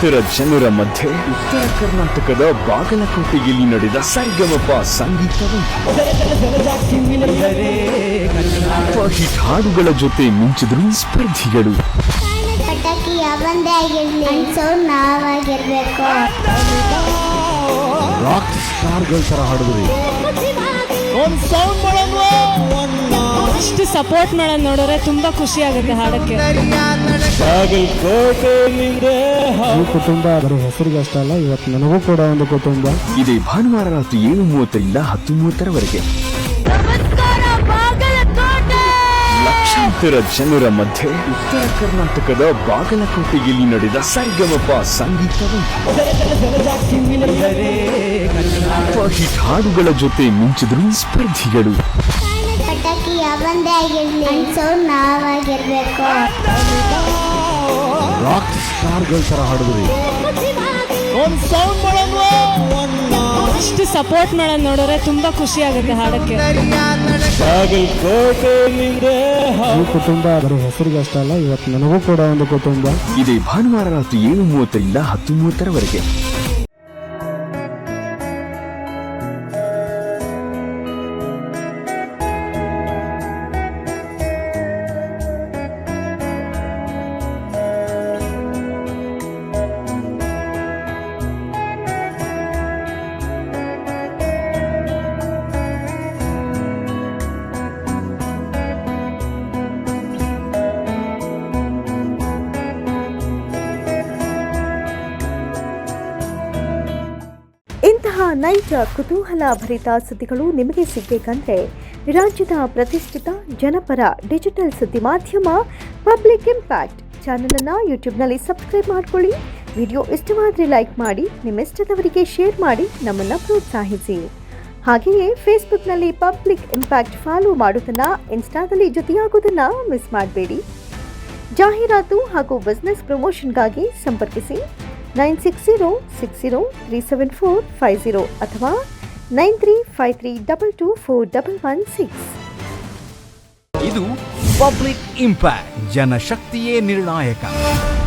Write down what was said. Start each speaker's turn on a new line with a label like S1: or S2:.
S1: ಲಕ್ಷಾಂತರ ಜನರ ಮಧ್ಯೆ ಉತ್ತರ ಕರ್ನಾಟಕದ ಬಾಗಲಕೋಟೆಯಲ್ಲಿ ನಡೆದ ಸರಿಗಮಪ ಸಂಗೀತ ಹಿಟ್ ಹಾಡುಗಳ ಜೊತೆ ಮಿಂಚಿದ್ರು ಸ್ಪರ್ಧಿಗಳು.
S2: ಪಟಾಕಿ ಯಾವಂದೇ ಆಗಿರ್ಲಿ ಸೌಂಡ್ ನಾವಾಗಿರ್ಬೇಕು.
S1: ರಾಕ್ ಸ್ಟಾರ್ಗಳ ತರ ಹಾಡಿದ್ರಿ.
S3: ಇಷ್ಟು ಸಪೋರ್ಟ್ ಮಾಡೋದು ನೋಡಿದ್ರೆ ತುಂಬಾ ಖುಷಿ ಆಗುತ್ತೆ ಹಾಡಕ್ಕೆ.
S4: ಈ ಕುಟುಂಬ ಬರೀ ಹೆಸರಿಗೆ ಅಷ್ಟೇ ಅಲ್ಲ, ಇವತ್ತು ನನಗೂ ಕೂಡ ಒಂದು ಕುಟುಂಬ.
S1: ಇದೇ ಭಾನುವಾರ ರಾತ್ರಿ 7:30ರಿಂದ 10:30ರವರೆಗೆ ಲಕ್ಷಾಂತರ ಜನರ ಮಧ್ಯೆ ಉತ್ತರ ಕರ್ನಾಟಕದ ಬಾಗಲಕೋಟೆಯಲ್ಲಿ ನಡೆದ ಸರಿಗಮಪ ಸಂಗೀತ ಹಿಟ್ ಹಾಡುಗಳ ಜೊತೆ ಮಿಂಚಿದ್ರು ಸ್ಪರ್ಧಿಗಳು.
S2: ಪಟಾಕಿ ಯಾವಂದೇ ಆಗಿರ್ಲಿ ಸೌಂಡ್ ನಾವಾಗಿರ್ಬೇಕು.
S1: ರಾಕ್ ಸ್ಟಾರ್ಗಳ ತರ ಹಾಡಿದ್ರಿ.
S3: ಇಷ್ಟು ಸಪೋರ್ಟ್ ಮಾಡೋದು ನೋಡಿದ್ರೆ ತುಂಬಾ ಖುಷಿ ಆಗುತ್ತೆ ಹಾಡಕ್ಕೆ.
S4: ಈ ಕುಟುಂಬ ಬರೀ ಹೆಸರಿಗೆ ಅಷ್ಟೇ ಅಲ್ಲ, ಇವತ್ತು ನನಗೂ ಕೂಡ ಒಂದು ಕುಟುಂಬ.
S1: ಇದೇ ಭಾನುವಾರ ರಾತ್ರಿ 7:30ರಿಂದ 10:30ರವರೆಗೆ.
S5: ಇಂತಹ ನೈಜ ಕುತೂಹಲ ಭರಿತ ಸುದ್ದಿಗಳು ನಿಮಗೆ ಸಿಗಬೇಕಂದ್ರೆ ರಾಜ್ಯದ ಪ್ರತಿಷ್ಠಿತ ಜನಪರ ಡಿಜಿಟಲ್ ಸುದ್ದಿ ಮಾಧ್ಯಮ ಪಬ್ಲಿಕ್ ಇಂಪ್ಯಾಕ್ಟ್ ಚಾನಲನ್ನು ಯೂಟ್ಯೂಬ್ನಲ್ಲಿ ಸಬ್ಸ್ಕ್ರೈಬ್ ಮಾಡಿಕೊಳ್ಳಿ. ವಿಡಿಯೋ ಇಷ್ಟವಾದರೆ ಲೈಕ್ ಮಾಡಿ, ನಿಮ್ಮಿಷ್ಟದವರಿಗೆ ಶೇರ್ ಮಾಡಿ ನಮ್ಮನ್ನು ಪ್ರೋತ್ಸಾಹಿಸಿ. ಹಾಗೆಯೇ ಫೇಸ್ಬುಕ್ನಲ್ಲಿ ಪಬ್ಲಿಕ್ ಇಂಪ್ಯಾಕ್ಟ್ ಫಾಲೋ ಮಾಡೋದನ್ನು, ಇನ್ಸ್ಟಾದಲ್ಲಿ ಜೊತೆಯಾಗೋದನ್ನು ಮಿಸ್ ಮಾಡಬೇಡಿ. ಜಾಹೀರಾತು ಹಾಗೂ ಬಿಸ್ನೆಸ್ ಪ್ರಮೋಷನ್ಗಾಗಿ ಸಂಪರ್ಕಿಸಿ 9606037450 ಅಥವಾ 9353224116.
S6: ಇದು ಪಬ್ಲಿಕ್ ಇಂಪ್ಯಾಕ್ಟ್, ಜನಶಕ್ತಿಯೇ ನಿರ್ಣಾಯಕ.